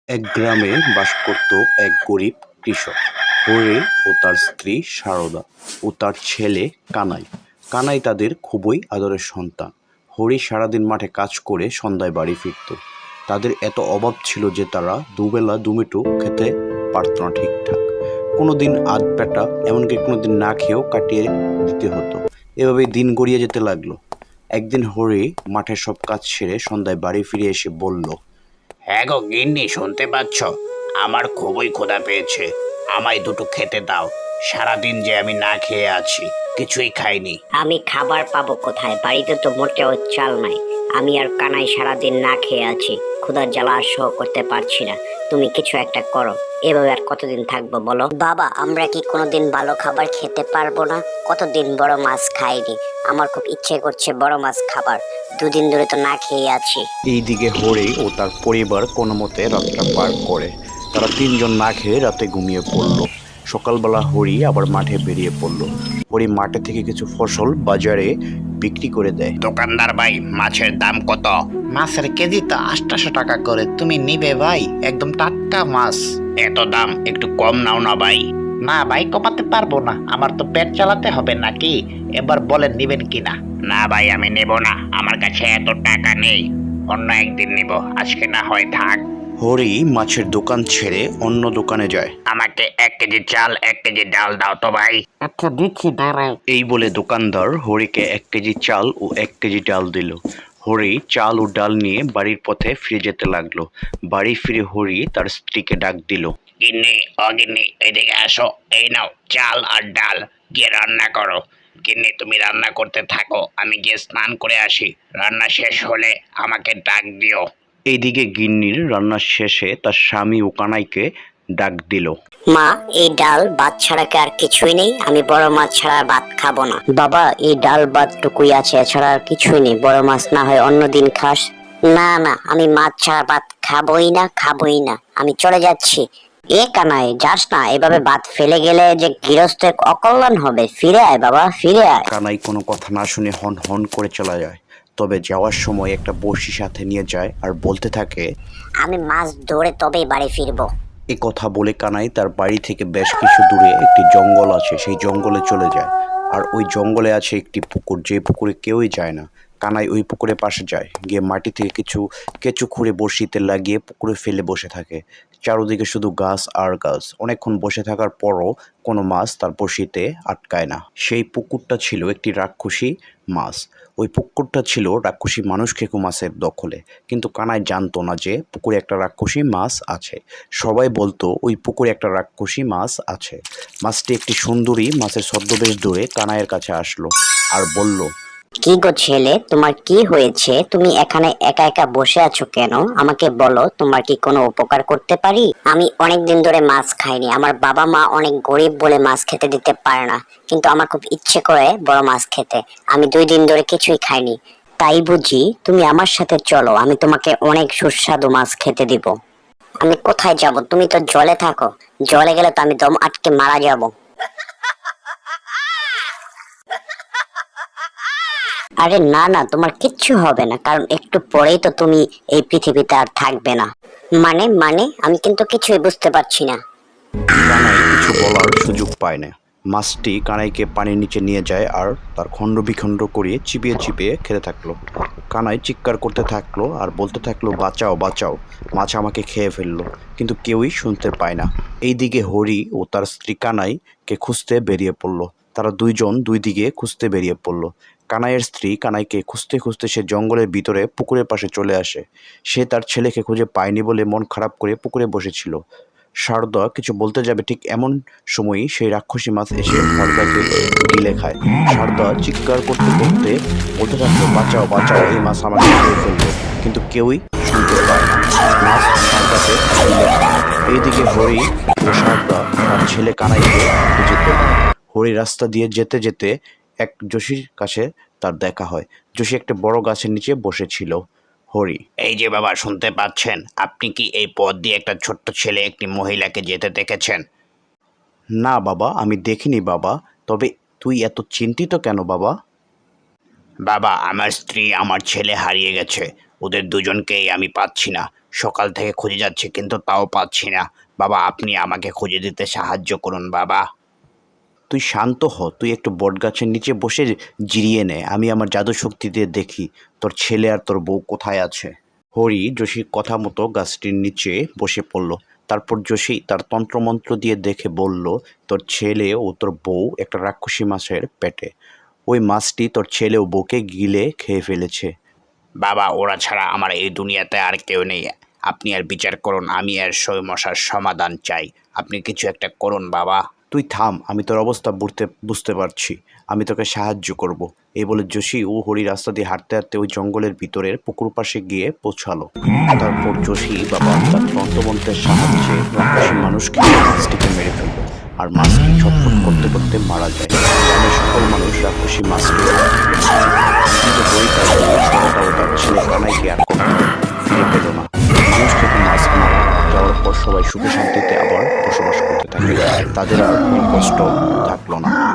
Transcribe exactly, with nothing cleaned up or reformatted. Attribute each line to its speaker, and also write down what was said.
Speaker 1: এক গ্রামে বাস করত এক গরিব কৃষক, হরি ও তার স্ত্রী সারদা ও তার ছেলে কানাই। কানাই তাদের খুবই আদরের সন্তান। হরি সারাদিন মাঠে কাজ করে সন্ধ্যায় বাড়ি ফিরত। তাদের এত অভাব ছিল যে তারা দুবেলা দুমুঠো খেতে পারত না ঠিকঠাক। কোনোদিন আধ পেটা, এমনকি কোনোদিন না খেয়েও কাটিয়ে দিতে হতো। এভাবেই দিন গড়িয়ে যেতে লাগলো। একদিন হরি মাঠের সব কাজ সেরে সন্ধ্যায় বাড়ি ফিরে এসে বলল,
Speaker 2: হ্যাঁ গো গিন্নি, শুনতে পাচ্ছ? আমার খুবই ক্ষুধা পেয়েছে। আমায় দুটো খেতে দাও। সারাদিন যে আমি না খেয়ে আছি, কিছুই খাইনি।
Speaker 3: আমি খাবার পাবো কোথায়? বাড়িতে তো মোটেও চাল নাই। আমি আর কানাই সারাদিন না খেয়ে আছি, ক্ষুধার জ্বালা আর সহ করতে পারছি না। তুমি কিছু একটা করো। এভাবে আর কতদিন থাকবো বলো? বাবা, আমরা কি কোনোদিন ভালো খাবার খেতে পারবো না? কতদিন বড় মাছ খাইনি। আমার খুব ইচ্ছে করছে বড় মাছ খাবার। দুদিন ধরে তো না খেয়ে আছি।
Speaker 1: এইদিকে হরি ও তার পরিবার কোনো মতে রাতটা পার করে। তারা তিনজন না খেয়ে রাতে ঘুমিয়ে পড়ল। সকালবেলা হরি আবার মাঠে বেরিয়ে পড়ল। হরি মাঠে থেকে কিছু ফসল বাজারে বিক্রি করে দেয়।
Speaker 2: দোকানদার ভাই, মাছের দাম কত? মাছের কেজি তো আটশো টাকা করে। তুমি নিবে ভাই? একদম টাটকা মাছ। এত দাম, একটু কম নাও না ভাই। না ভাই, কমাতে পারবো না। আমার তো পেট চালাতে হবে নাকি। এবার বলেন নিবেন কিনা? না ভাই, আমি নেব না। আমার কাছে এত টাকা নেই। অন্য একদিন নিব, আজকে না হয় থাক।
Speaker 1: হরি মাছের দোকান ছেড়ে অন্য দোকানে যায়।
Speaker 2: আমাকে এক কেজি চাল, এক কেজি ডাল দাও তো ভাই।
Speaker 3: আচ্ছা দিচ্ছি, দাঁড়াও।
Speaker 1: এই বলে দোকানদার হরিকে এক কেজি চাল ও এক কেজি ডাল দিল। হরি চাল ও ডাল নিয়ে বাড়ির পথে ফিরে যেতে লাগলো। বাড়ি ফিরে হরি তার স্ত্রীকে ডাক দিল।
Speaker 2: গিন্নি, ও গিন্নি, এদিকে আসো। এই নাও চাল আর ডাল, গিয়ে রান্না করো। গিন্নি, তুমি রান্না করতে থাকো, আমি গিয়ে স্নান করে আসি। রান্না শেষ হলে আমাকে ডাক দিও।
Speaker 1: এইদিকে গিন্নির রান্না শেষে তার স্বামী ও কানাইকে ডাক দিল।
Speaker 3: মা, এই ডাল ভাত ছাড়া কি আর কিছুই নেই? আমি বড় মাছ ছাড়া আর ভাত খাবো না। বাবা, এই ডাল ভাত টুকুই আছে, এছাড়া আর কিছুই নেই। বড় মাছ না হয় অন্যদিন খাস। না না, আমি মাছ ছাড়া ভাত খাবোই না, খাবোই না। আমি চলে যাচ্ছি। এ কানাই, যাস না। এভাবে ভাত ফেলে গেলে যে গৃহস্থের অকল্যাণ হবে। ফিরে আয় বাবা, ফিরে আয়।
Speaker 1: কানাই কোনো কথা না শুনে হন হন করে চলে যায়। তবে যাওয়ার সময় একটা বড়শি সাথে নিয়ে যায় আর বলতে থাকে,
Speaker 3: আমি মাছ ধরে তবেই বাড়ি ফিরবো।
Speaker 1: এ কথা বলে কানাই তার বাড়ি থেকে বেশ কিছু দূরে একটি জঙ্গল আছে, সেই জঙ্গলে চলে যায়। আর ওই জঙ্গলে আছে একটি পুকুর, যে পুকুরে কেউই যায় না। কানাই ওই পুকুরের পাশে যায়, গিয়ে মাটি থেকে কিছু কেঁচু খুঁড়ে বড়শিতে লাগিয়ে পুকুরে ফেলে বসে থাকে। চারদিকে শুধু গাছ আর গাছ। অনেকক্ষণ বসে থাকার পরও কোনো মাছ তার বড়শিতে আটকায় না। সেই পুকুরটা ছিল একটি রাক্ষসী মাছ। ওই পুকুরটা ছিল রাক্ষসী মানুষ খেকো মাছের দখলে। কিন্তু কানাই জানতো না যে পুকুরে একটা রাক্ষসী মাছ আছে। সবাই বলতো ওই পুকুরে একটা রাক্ষসী মাছ আছে। মাছটি একটি সুন্দরী মাছের ছদ্মবেশ ধরে কানাইয়ের কাছে আসলো আর বলল,
Speaker 3: কি গো ছেলে, তোমার কি হয়েছে? তুমি এখানে একা একা বসে আছো কেন? আমাকে বলো, তোমার কি কোনো উপকার করতে পারি? আমি অনেক দিন ধরে মাছ খাইনি। আমার বাবা মা অনেক গরিব বলে মাছ খেতে দিতে পারে না, কিন্তু আমার খুব ইচ্ছে করে বড় মাছ খেতে। আমি দুই দিন ধরে কিছুই খাইনি। তাই বুঝি? তুমি আমার সাথে চলো, আমি তোমাকে অনেক সুস্বাদু মাছ খেতে দিব। আমি কোথায় যাব? তুমি তো জলে থাকো। জলে গেলে তো আমি দম আটকে মারা যাব। আরে না না, তোমার কিচ্ছু হবে না, কারণ একটু পরেই তো তুমি এই পৃথিবীতে আর থাকবে না। মানে মানে আমি কিন্তু কিছুই বুঝতে পারছি না।
Speaker 1: কানাই কিছু বলার সুযোগ পায় না। মাছটি কানাইকে পানির নিচে নিয়ে যায় আর তার খণ্ড বিখণ্ড করে চিবিয়ে চিবিয়ে খেতে থাকলো। কানাই চিৎকার করতে থাকলো আর বলতে থাকলো, বাঁচাও বাঁচাও, মাছ আমাকে খেয়ে ফেললো। কিন্তু কেউই শুনতে পায় না। এইদিকে হরি ও তার স্ত্রী কানাইকে খুঁজতে বেরিয়ে পড়লো। তারা দুইজন দুই দিকে খুঁজতে বেরিয়ে পড়লো। কানাইয়ের স্ত্রী কানাইকে খুঁজতে খুঁজতে সে জঙ্গলের ভিতরে পুকুরের পাশে চলে আসে। সে তার ছেলেকে খুঁজে পায়নি বলে মন খারাপ করে পুকুরে বসেছিল। সারদা কিছু বলতে যাবে, ঠিক এমন সময়ই সেই রাক্ষসী মাছ এসে সারদাকে গিলে খায়। সারদা চিৎকার করতে করতে বলতে থাকলো, বাঁচাও বাঁচাও, এই মাছ আমাকে খেয়ে ফেলবে। কিন্তু কেউই শুনতে পায় না। মাছ সারদাকে গিলে খায়। এইদিকে হরি ও সারদা তার ছেলে কানাইকে খুঁজে পেল। হরি রাস্তা দিয়ে যেতে যেতে এক যোশীর কাছে তার দেখা হয়। যোশী একটা বড় গাছের নিচে বসেছিল। হরি,
Speaker 2: এই যে বাবা, শুনতে পাচ্ছেন? আপনি কি এই পথ দিয়ে একটা ছোট্ট ছেলে একটি মহিলাকে যেতে দেখেছেন?
Speaker 1: না বাবা, আমি দেখিনি বাবা। তবে তুই এত চিন্তিত কেন বাবা?
Speaker 2: বাবা, আমার স্ত্রী আমার ছেলে হারিয়ে গেছে। ওদের দুজনকেই আমি পাচ্ছি না। সকাল থেকে খুঁজে যাচ্ছি কিন্তু তাও পাচ্ছি না। বাবা, আপনি আমাকে খুঁজে দিতে সাহায্য করুন বাবা।
Speaker 1: তুই শান্ত হ, তুই একটু বটগাছের নিচে বসে জিরিয়ে নে, আমি আমার জাদু শক্তি দিয়ে দেখি তোর ছেলে আর তোর বউ কোথায় আছে। হরি যোশীর কথা মতো গাছটির নিচে বসে পড়ল। তারপর যোশী তার তন্ত্রমন্ত্র দিয়ে দেখে বলল, তোর ছেলে ও তোর বউ একটা রাক্ষসী মাছের পেটে। ওই মাছটি তোর ছেলে ও বউকে গিলে খেয়ে ফেলেছে।
Speaker 2: বাবা, ওরা ছাড়া আমার এই দুনিয়াতে আর কেউ নেই। আপনি আর বিচার করুন, আমি আর সমস্যার সমাধান চাই। আপনি কিছু একটা করুন বাবা।
Speaker 1: তুই থাম, আমি তোর অবস্থা বুঝতে বুঝতে পারছি, আমি তোকে সাহায্য করব। এই বলে যোশী ও হরি রাস্তা দিয়ে হাঁটতে হাঁটতে ওই জঙ্গলের ভিতরের পুকুর পাশে গিয়ে পৌঁছালো। তারপর যোশী বাবা তার তন্ত্রমন্ত্রের সাহায্যে রাক্ষসী মানুষকে মাছটিকে মেরে ফেলল, আর মাছটি ছটফট করতে করতে মারা যায়। গ্রামের সকল মানুষ রাক্ষসী মাছকে কিন্তু হরি তার বউ সরতা ও তার ছেলে কানাইকে আর কখনো ফিরে পেল না। মানুষ থেকে মাছ মারা যাওয়ার পর সবাই সুখে শান্তিতে আবার বসবাস করতে থাকে, তাদের আর কোনো কষ্ট থাকলো না।